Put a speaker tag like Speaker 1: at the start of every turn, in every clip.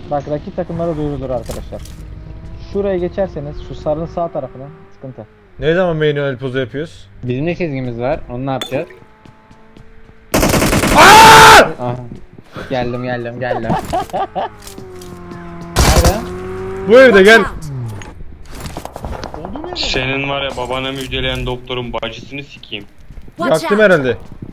Speaker 1: Bak rakip takımlara duyurulur arkadaşlar. Şuraya geçerseniz şu sarının sağ tarafına sıkıntı.
Speaker 2: Ne zaman manuel pozu yapıyoruz?
Speaker 3: Bizim de çizgimiz var. Onu ne yapacağız? Aha. Geldim. Nerede?
Speaker 2: Bu evde gel.
Speaker 4: Senin var ya babana müjdeleyen doktorun bacısını sikeyim.
Speaker 5: Watch
Speaker 2: Yaktım
Speaker 5: out!
Speaker 2: herhalde.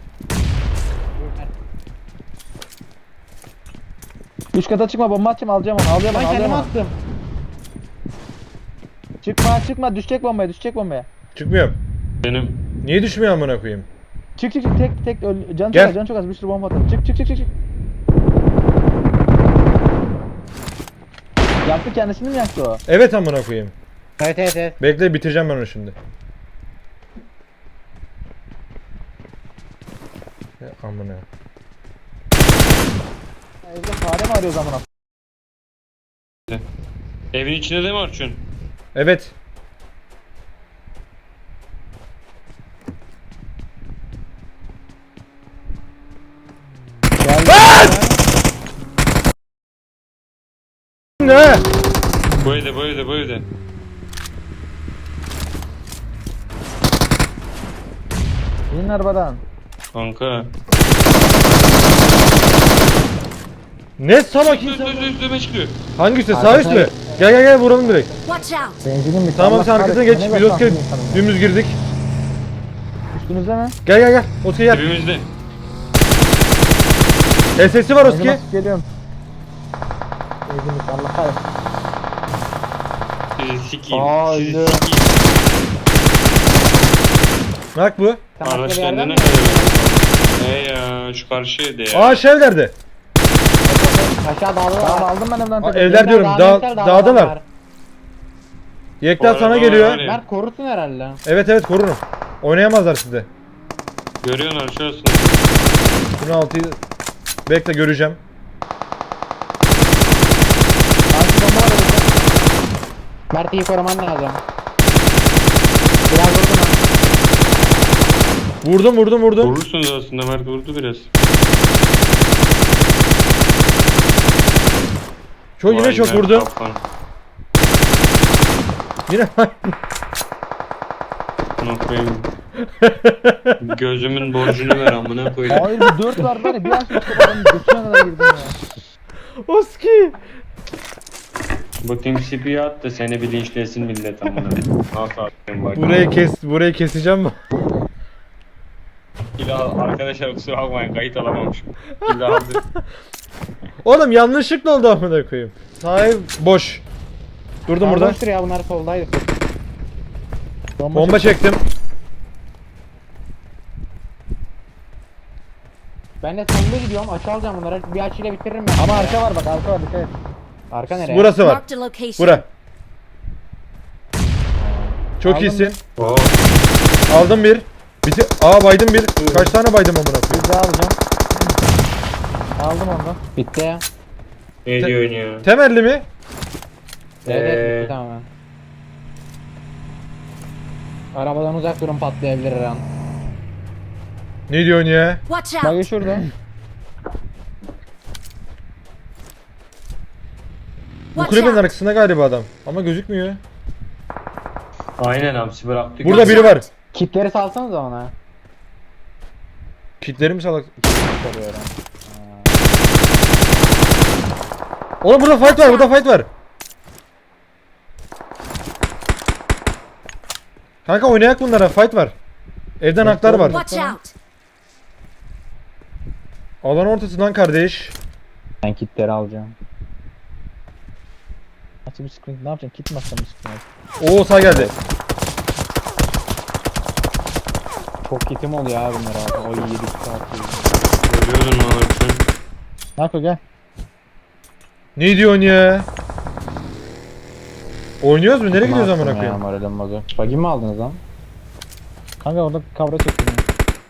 Speaker 1: Üç kata çıkma, bomba atacağım, alacağım onu, alacağım
Speaker 3: Ben
Speaker 1: onu, alacağım
Speaker 3: kendimi
Speaker 1: onu.
Speaker 3: attım.
Speaker 1: Çıkma, düşecek bombaya.
Speaker 2: Çıkmıyorum.
Speaker 4: Benim
Speaker 2: Niye düşmüyor amına koyayım?
Speaker 1: Çık, tek öl, can
Speaker 2: Gel.
Speaker 1: çok az, can çok az, bir sürü bomba atar. Çık. Yaktı, kendisini mi yaktı o?
Speaker 2: Evet amına koyayım.
Speaker 3: Evet.
Speaker 2: Bekle, bitireceğim ben onu şimdi. Ya amına.
Speaker 1: Evde fare mi arıyor zamana?
Speaker 4: evin içinde de mi Arçun?
Speaker 2: Evet. Ne?
Speaker 4: Bu evde.
Speaker 1: İnin arabadan.
Speaker 4: Kanka.
Speaker 2: Ne salak insan?
Speaker 4: Üstüme çıkıyor.
Speaker 2: Hangisi? Sağ üst mü? Gel vuralım direkt.
Speaker 5: Watch out!
Speaker 1: Benzinin bir
Speaker 2: Tamam sen arkasına geç. Biz Oscar dümdüz girdik.
Speaker 1: Üstünüzde mi?
Speaker 2: Gel. Oscar gel.
Speaker 4: Dibimizde.
Speaker 2: SS'i var Oscar.
Speaker 1: Geliyorum. Benzin bitti, Allah kahretsin.
Speaker 4: Sizi sikeyim.
Speaker 1: Haydi.
Speaker 4: Sizi sikeyim.
Speaker 2: Bak bu.
Speaker 4: Araçlarında ne kadar? Ya şu karşı evde ya.
Speaker 2: Aa evlerde.
Speaker 3: Aşağı dağda
Speaker 1: Tamam,
Speaker 3: var.
Speaker 1: aldım ben evden.
Speaker 2: Aa,
Speaker 1: tekrar.
Speaker 2: evler diyorum. Dağdalar.
Speaker 3: var.
Speaker 2: Yekta
Speaker 4: Bu
Speaker 2: sana
Speaker 4: arada
Speaker 2: geliyor.
Speaker 4: var ya.
Speaker 3: Mert korusun herhalde.
Speaker 2: Evet korurum. Oynayamazlar sizde.
Speaker 4: Görüyorsun Arçun.
Speaker 2: Bunu 6'yı bekle göreceğim.
Speaker 1: Sanki bomba var orada.
Speaker 3: Mert iyi koruman lazım. Biraz vurdum ha.
Speaker 2: Vurdum.
Speaker 4: Vurursunuz aslında, Mert vurdu biraz.
Speaker 2: Yine
Speaker 4: Vay
Speaker 2: çok
Speaker 4: Mert
Speaker 2: vurdum.
Speaker 4: kaplan.
Speaker 2: Yine
Speaker 4: Amına koyayım. Gözümün borcunu ver amına koyayım.
Speaker 1: Hayır, bir 4 var ya, bir an sonra adamın götüne kadar girdim ya.
Speaker 2: Oski.
Speaker 4: Bakayım CP'ye at da seni bir linçlesin millet amına. Nasıl atayım bak.
Speaker 2: Burayı keseceğim mi?
Speaker 4: Arkadaşlar kusura bakmayın, kayıt alamamışım. Kill aldı.
Speaker 2: Oğlum yanlışlıkla oldu amına koyayım. Sahip boş. Durdum burada.
Speaker 3: Boştur ya, bunlar soldaydı.
Speaker 2: Bomba çektim.
Speaker 3: Ben de sonda gidiyorum. Açı alacağım bunları. Bir açıyla bitiririm ben.
Speaker 1: Ama arka var, bak arka var, dikkat et.
Speaker 3: Arka nereye?
Speaker 2: Burası var.
Speaker 5: Marked a location.
Speaker 2: Bura. Çok
Speaker 1: Aldım
Speaker 2: iyisin.
Speaker 4: Oo.
Speaker 2: Aldım bir. Baydım bir. Kaç tane baydım amına koyayım?
Speaker 1: Bir daha alacağım. Aldım onu da.
Speaker 3: Bitti ya.
Speaker 4: Ne diyorsun ya?
Speaker 2: Temelli mi?
Speaker 3: Evet bitti tamamen. Arabadan uzak durun, patlayabilir her an.
Speaker 2: Ne diyorsun ya?
Speaker 5: Watch
Speaker 1: Bak
Speaker 5: out!
Speaker 1: şurada.
Speaker 2: Bu
Speaker 5: Watch
Speaker 2: kulübenin
Speaker 5: out!
Speaker 2: arkasında galiba adam. Ama gözükmüyor.
Speaker 4: Aynen hamsi bıraktık.
Speaker 2: Burada biri var.
Speaker 3: Kitleri salsanız ona.
Speaker 2: Kitleri mi salak?
Speaker 3: Soruyorum.
Speaker 2: Oğlum burada fight var. Kanka oynayak bunlara, fight var. Evden haklar var.
Speaker 5: Watch out!
Speaker 2: Alan ortasından kardeş.
Speaker 3: Ben kitleri alacağım.
Speaker 1: Açı bir screen, ne yapacaksın? Kit mi atacaksın bir screen?
Speaker 2: Oo sağ geldi.
Speaker 3: Çok kitim oluyor abi bunlar abi. O 7 saat.
Speaker 4: Görüyordun mu Arçun?
Speaker 1: Nako gel.
Speaker 2: Ne diyorsun ya? Oynuyoruz mu? Nereye gidiyoruz amına koyayım?
Speaker 3: Moralim bozuk. Buggy mi aldınız lan?
Speaker 1: Kanka orada kavra çektim ya.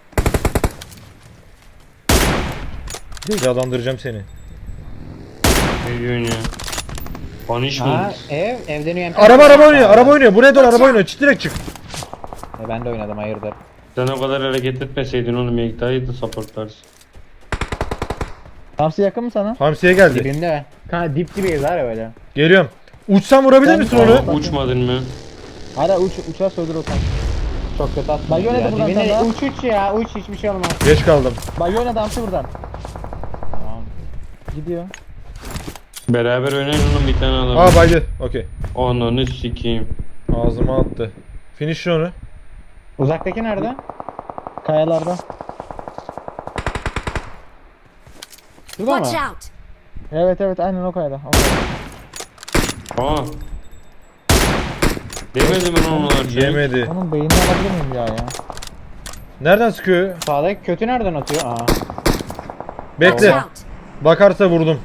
Speaker 2: Cezalandıracağım seni.
Speaker 4: Ne diyorsun ya? Punishment.
Speaker 3: Ha evden UMP.
Speaker 2: Araba oynuyor. Buraya doğru araba oynuyor. Direkt çık.
Speaker 3: Ben de oynadım, hayırdır.
Speaker 4: Sen o kadar hareket etmeseydin oğlum, Yekta'yı da supportlarsın.
Speaker 1: Hamsi yakın mı sana?
Speaker 2: Hamsiye geldi.
Speaker 3: Dibimde. Kanka dip dibeyiz var ya böyle.
Speaker 2: Geliyorum. Uçsam vurabilir
Speaker 1: Ben-
Speaker 2: misin
Speaker 1: Tamam.
Speaker 2: onu?
Speaker 4: Uçmadın mı?
Speaker 1: Hala uçar söldür o tank.
Speaker 3: Çok kötü attın.
Speaker 1: Bak yönetim buradan
Speaker 3: Dibine
Speaker 1: sana.
Speaker 3: uç ya uç hiçbir şey olmaz.
Speaker 2: Geç kaldım.
Speaker 1: Bak yöne damsı buradan.
Speaker 3: Tamam.
Speaker 1: Gidiyor.
Speaker 4: Beraber oynayın onun bir tane alalım.
Speaker 2: Aa baydı. Okey.
Speaker 4: Ananı sikeyim.
Speaker 2: Ağzıma attı. Finish onu.
Speaker 3: Uzaktaki nerede?
Speaker 1: Kayalarda.
Speaker 3: Şurada
Speaker 5: Watch
Speaker 3: mı?
Speaker 5: out!
Speaker 1: Evet evet aynen o kayada. O kayada.
Speaker 4: Aa. Demedi mi lan onlar şey?
Speaker 2: Yemedi.
Speaker 1: Onun beynini alabilir miyim ya?
Speaker 2: Nereden sıkıyor?
Speaker 3: Sağdaki kötü nereden atıyor? Aa.
Speaker 2: Bekle.
Speaker 5: Watch out!
Speaker 2: Bakarsa vurdum.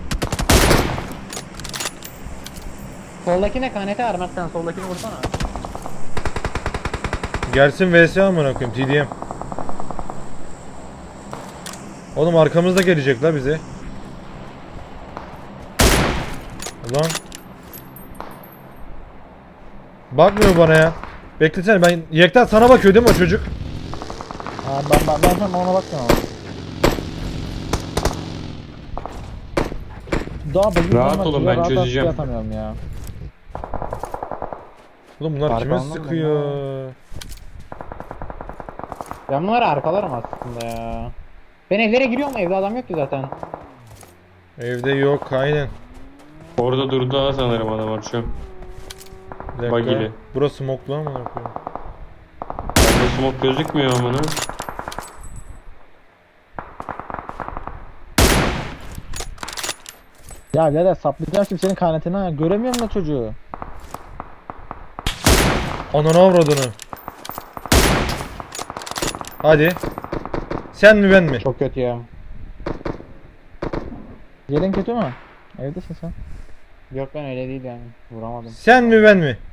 Speaker 3: Soldaki ne KNT var Mert sen soldakini vursana.
Speaker 2: Gelsin vs amına koyayım TDM. Oğlum arkamızda gelecek la bize. Ulan. Bakmıyor bana ya. Beklesene ben Yekta sana bakıyor değil mi o çocuk?
Speaker 1: Ha, ben şu an ona bakmıyorum ama. Daha bagajı
Speaker 4: Rahat
Speaker 1: olmaz,
Speaker 4: olun,
Speaker 1: ya,
Speaker 4: ben
Speaker 1: rahat
Speaker 4: çözeceğim.
Speaker 1: atamıyorum ya.
Speaker 2: Oğlum bunlar kime
Speaker 3: Arkamda mı
Speaker 2: sıkıyor?
Speaker 3: Ben bunları arkalarım aslında ya. Ben evlere giriyorum evde adam yok ki zaten.
Speaker 2: Evde yok aynen.
Speaker 4: Orada durdu ha sanırım adam şu.
Speaker 2: Bir dakika.
Speaker 4: Bagili.
Speaker 2: Burası smoklu ama ne koyayım.
Speaker 4: Bende smoke gözükmüyor amına.
Speaker 1: Ya birader saplayacağım şimdi senin kanetini ha. Göremiyorum da çocuğu.
Speaker 2: Ananı avradını. Hadi. Sen mi ben mi?
Speaker 3: Çok kötü ya.
Speaker 1: Yerin kötü mü? Evdesin sen.
Speaker 3: Yok ben öyle değil yani. Vuramadım.
Speaker 2: Sen mi ben mi?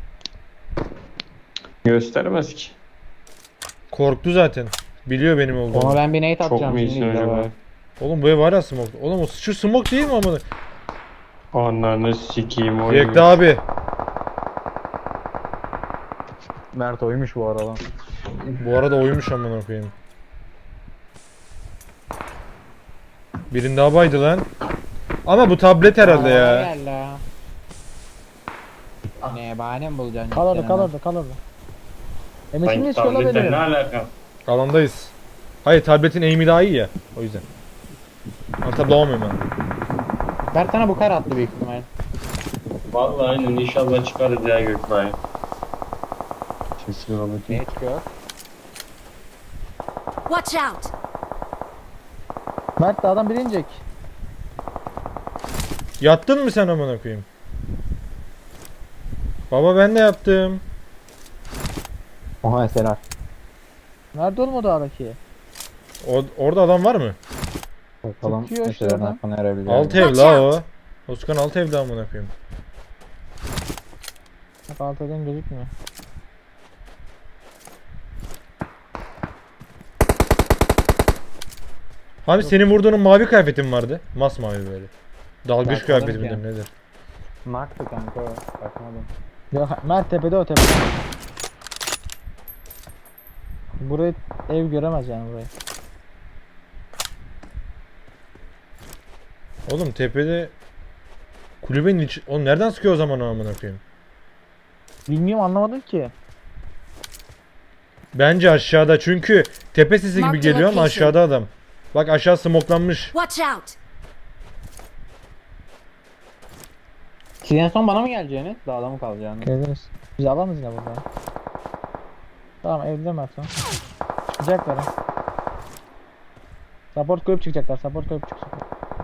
Speaker 4: Göstermez ki.
Speaker 2: Korktu zaten. Biliyor benim
Speaker 3: Ona
Speaker 2: olduğumu.
Speaker 3: ben bir nade
Speaker 4: Çok
Speaker 3: atacağım
Speaker 4: mu iyisin
Speaker 3: şimdi
Speaker 4: acaba?
Speaker 3: acaba?
Speaker 2: Oğlum bu ev hala smoke. Oğlum o şu smoke değil mi amına?
Speaker 4: Ananı sikeyim oyun.
Speaker 2: Yekta abi.
Speaker 3: Mert oymuş bu arada.
Speaker 2: Bu arada oymuş amına koyayım. Birinde daha baydı lan. Ama bu tablet herhalde ya.
Speaker 3: Gel la. Ne bahane mi bulacaksın?
Speaker 1: Kal orada
Speaker 3: Gitsen
Speaker 1: kal
Speaker 3: hemen.
Speaker 1: orada kal orada. Emesim
Speaker 4: Sanki
Speaker 1: mi istiyor la
Speaker 4: tabletten
Speaker 1: beni?
Speaker 4: ne alaka?
Speaker 2: Alandayız. Hayır tabletin aim'i daha iyi ya. O yüzden. Antablamıyorum ben.
Speaker 3: Mert sana bu kar attı büyük ihtimal.
Speaker 4: Vallahi aynen inşallah çıkarız ya Gökbay. Kesin bakayım.
Speaker 3: Ne çıkıyor?
Speaker 5: Watch out!
Speaker 1: Mert de adam biri inecek.
Speaker 2: Yattın mı sen amına koyayım? Baba ben de yaptım.
Speaker 3: Oha eseler.
Speaker 1: Nerede oğlum o dağdaki?
Speaker 2: Orada adam var mı?
Speaker 3: Bakalım
Speaker 1: Çıkıyor işte
Speaker 3: eserden
Speaker 1: oradan.
Speaker 3: hakkını erebilir.
Speaker 2: Alt ev
Speaker 5: Watch
Speaker 2: la
Speaker 5: out.
Speaker 2: o. Oskan alt evde amına koyayım.
Speaker 1: Bak alt eden gözükmüyor.
Speaker 2: Abi senin vurduğunun mavi kıyafetin vardı. Masmavi böyle. Dalgıç
Speaker 3: Bakmadım
Speaker 2: kıyafeti
Speaker 3: ki.
Speaker 2: midir nedir?
Speaker 3: Marktı kanka o. Bakmadım.
Speaker 1: Yok Mert tepede o tepede. Burayı ev göremez yani burayı.
Speaker 2: Oğlum tepede kulübenin içi... Oğlum nereden sıkıyor o zaman o amına koyayım?
Speaker 1: Bilmiyorum anlamadım ki.
Speaker 2: Bence aşağıda çünkü tepe sesi gibi
Speaker 5: Mark the
Speaker 2: geliyor ama
Speaker 5: location.
Speaker 2: aşağıda adam. Bak aşağı smoklanmış.
Speaker 5: Watch out!
Speaker 3: Siz en son bana mı geleceğiniz? Dağda mı kalacaksınız?
Speaker 1: Geldiniz. Biz alamaz yine burada. Tamam evde Mert o. Çıkacaklar ha. Support koyup çıkacaklar. Support koyup çıkacaklar.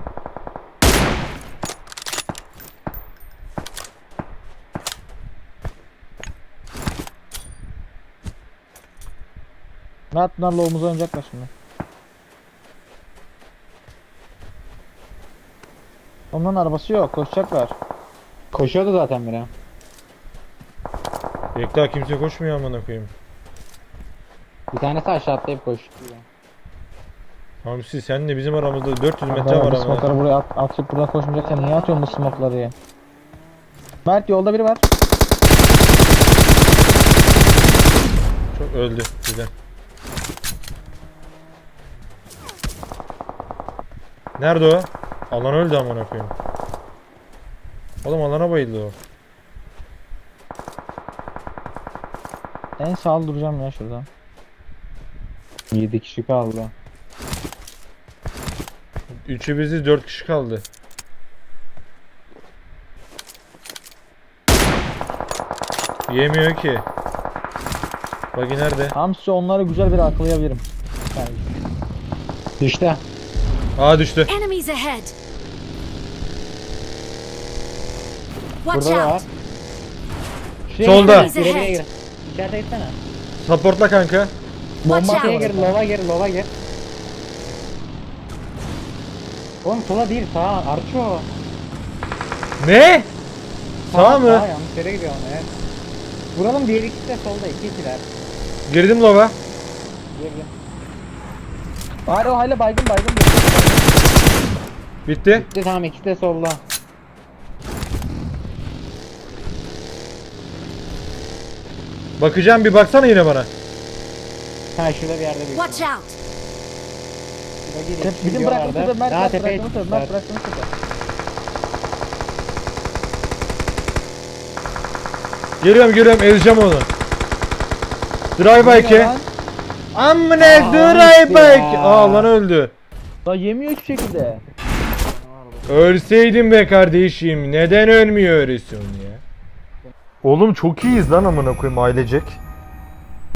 Speaker 1: Mert bunlarla omuza oynayacaklar şimdi. Onların arabası yok. Koşacaklar.
Speaker 3: Koşuyordu zaten biri.
Speaker 2: Yekta kimse koşmuyor amına koyayım.
Speaker 3: Bir tanesi aşağı atlayıp koştu.
Speaker 2: Hamsi sen de bizim aramızda 400 metre
Speaker 1: Adamlar
Speaker 2: var
Speaker 1: bu
Speaker 2: ama.
Speaker 1: smoke'ları buraya atıp buradan koşmayacaksan niye atıyorsun bu smoke'ları ya? Mert yolda biri var.
Speaker 2: Çok öldü. Güzel. Nerede o? Alan öldü amına koyayım. Oğlum alana bayıldı o.
Speaker 1: En sağlı duracağım ya şurada.
Speaker 3: 7 kişi kaldı.
Speaker 2: Üçü biziz, 4 kişi kaldı. Yemiyor ki. Bagi nerede?
Speaker 1: Hamsi onları güzel bir aklayabilirim. Yani
Speaker 3: Düştü.
Speaker 2: Aa düştü.
Speaker 5: Enemies ahead. Watch
Speaker 3: Burada da var.
Speaker 5: out.
Speaker 2: Solda.
Speaker 5: Enemies
Speaker 3: Gire
Speaker 5: ahead.
Speaker 3: gir. İçeride gitsene.
Speaker 2: Supportla kanka.
Speaker 5: Watch
Speaker 3: Bombaya
Speaker 5: out.
Speaker 3: gir, lova gir, lova gir. Oğlum sola değil, sağa. Arço.
Speaker 2: Ne? Sağ mı?
Speaker 3: Sağa yanlış yere gidiyor ama ya. Vuralım, diğer ikisi de solda, 2-2'ler.
Speaker 2: Girdim lova.
Speaker 3: Girdim.
Speaker 1: bari o hala baygın.
Speaker 2: Bitti.
Speaker 3: Bitti, tamam, ikisi de solda.
Speaker 2: Bakacağım, bir baksana yine bana.
Speaker 3: Ha, şurada bir yerde bir.
Speaker 5: Watch out.
Speaker 1: Bizim bıraktığımız sefer Mert
Speaker 3: Daha tepeye
Speaker 1: bıraktığımız sefer
Speaker 3: çıkmışlar.
Speaker 1: Mert bıraktığımız sefer.
Speaker 2: Geliyorum, ezeceğim onu. Drive
Speaker 1: Ne
Speaker 2: bike.
Speaker 1: lan?
Speaker 2: Amne
Speaker 3: Aa,
Speaker 2: drive
Speaker 3: öldü
Speaker 2: bike.
Speaker 3: ya.
Speaker 2: Aa lan öldü.
Speaker 1: Daha yemiyor hiçbir şekilde.
Speaker 2: Ölseydin be kardeşim. Neden ölmüyorsun ya? Oğlum çok iyiyiz lan amına koyayım ailecek.